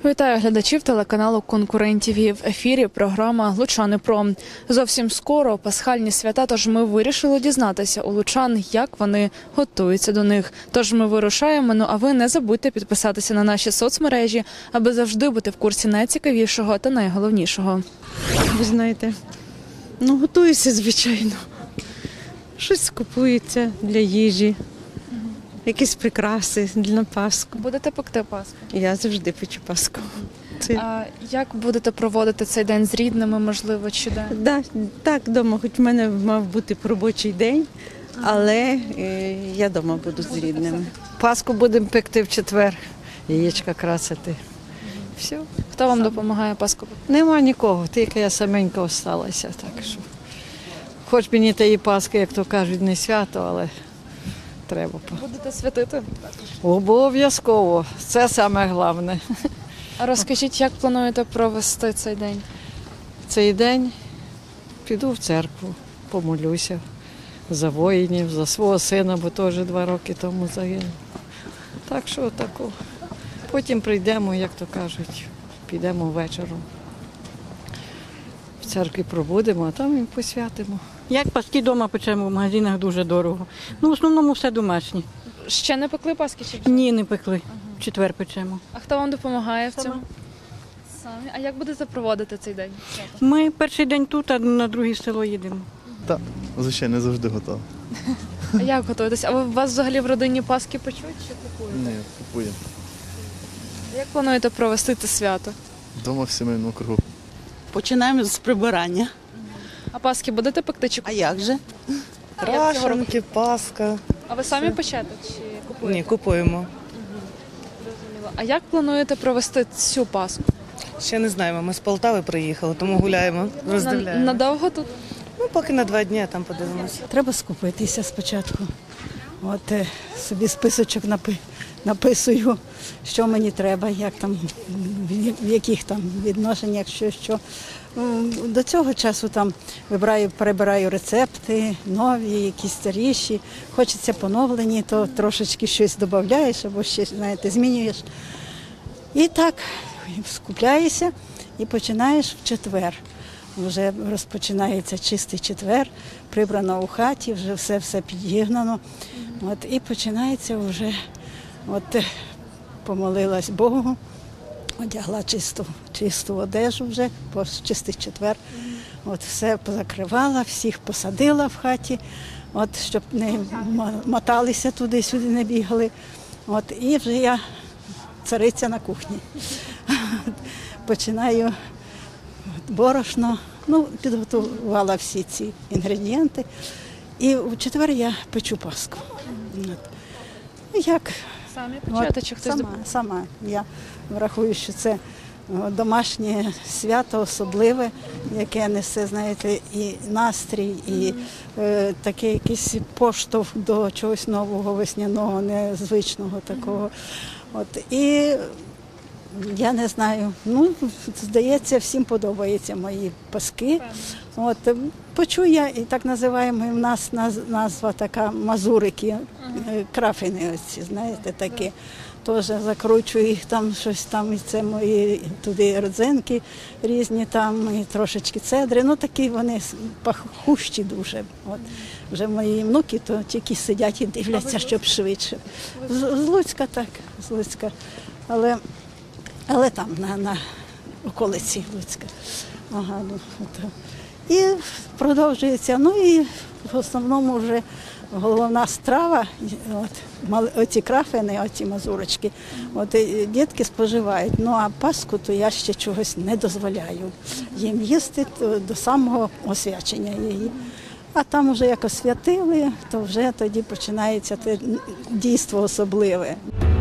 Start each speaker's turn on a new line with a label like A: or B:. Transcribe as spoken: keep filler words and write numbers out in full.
A: Вітаю глядачів телеканалу «Конкурент ТІВІ». В ефірі програма «Лучани Про». Зовсім скоро пасхальні свята, тож ми вирішили дізнатися у лучан, як вони готуються до них. Тож ми вирушаємо, ну а ви не забудьте підписатися на наші соцмережі, аби завжди бути в курсі найцікавішого та найголовнішого.
B: Ви знаєте, ну готуюся, звичайно. Щось купується для їжі, якісь прикраси для Пасху.
A: Будете пекти Пасху?
B: Я завжди печу Пасху. Це...
A: А як будете проводити цей день з рідними, можливо, чи де?
B: Да, так, вдома, хоч в мене мав бути робочий день, але е, я вдома буду з рідними.
C: Пасху будемо пекти в четвер, яєчка красити. Все.
A: Хто вам допомагає Пасху пекти?
C: Нема нікого, тільки я саменька осталася. Так що. Хоч мені тієї Пасхи, як то кажуть, не свято, але треба.
A: Будете святити?
C: Обов'язково. Це саме головне.
A: А розкажіть, як плануєте провести цей день?
C: Цей день піду в церкву, помолюся за воїнів, за свого сина, бо теж два роки тому загинув. Так що тако. Потім прийдемо, як то кажуть, підемо вечором. В церкві пробудемо, а там і посвятимо.
D: Як паски вдома печемо, в магазинах дуже дорого. Ну, в основному все домашнє.
A: Ще не пекли Пасхи? Чи вже?
D: Ні, не пекли. В четвер печемо.
A: А хто вам допомагає в
D: Сама.
A: цьому? Самі. А як будете проводити цей день?
D: Ми перший день тут, а на друге село їдемо.
E: Так, звичайно, не завжди готовий.
A: А як готуєтесь? А ви у вас взагалі в родині Пасхи печуть чи купуєте?
E: Ні, купуємо.
A: Як плануєте провести це свято?
E: Дома в сімейному кругу.
F: Починаємо з прибирання.
A: А Пасхи будете пекти чи
F: А
A: купуєте?
F: як же?
G: Крашенки, Пасха.
A: А ви самі печете чи купуєте?
G: Ні, купуємо.
A: Зрозуміло. А як плануєте провести цю Пасху?
G: Ще не знаємо. Ми з Полтави приїхали, тому гуляємо,
A: На-
G: роздивляємо.
A: Надовго тут?
G: Ну, поки на два дні, а там подивимося.
H: Треба скупитися спочатку. От е, собі списочок напи, написую, що мені треба, як там, в в яких там відношеннях, що що. М, До цього часу там вибираю, перебираю рецепти, нові, якісь старіші. Хочеться поновлені, то трошечки щось додаєш або ще, знаєте, змінюєш. І так скупляєшся і починаєш в четвер. Вже розпочинається чистий четвер, прибрано у хаті, вже все-все підігнано. От, і починається вже, от е, помолилась Богу, одягла чисту, чисту одежу вже, бо чистий четвер. От все позакривала, всіх посадила в хаті, от, щоб не м- моталися туди-сюди, не бігали. От, і вже я цариця на кухні. Починаю борошно, ну, підготувала всі ці інгредієнти. І в четвер я печу Пасху. От. Ну, як?
A: Самі печете чи хтось
H: Сама,
A: допомагає?
H: сама. Я врахую, що це о, домашнє свято особливе, яке несе, знаєте, і настрій, і е, такий якийсь поштовх до чогось нового, весняного, незвичного такого. От. І я не знаю, ну, здається, всім подобаються мої паски. От, печу я, і так називаємо, в нас наз- назва така мазурики, е, крафини оці, знаєте, такі. Теж закручую їх там, щось там, і це мої туди родзинки різні, там, і трошечки цедри. Ну, такі вони пахущі дуже. От. Вже мої внуки то тільки сидять і дивляться, щоб швидше. З, з Луцька так, з Луцька. Але але там, на, на околиці Луцька. Ага, ну, от. І продовжується. Ну і в основному вже головна страва, от, мали- оці крафини, оці мазурочки, от, і дітки споживають. Ну а Пасху то я ще чогось не дозволяю їм їсти то до самого освячення її. А там вже як освятили, то вже тоді починається те дійство особливе.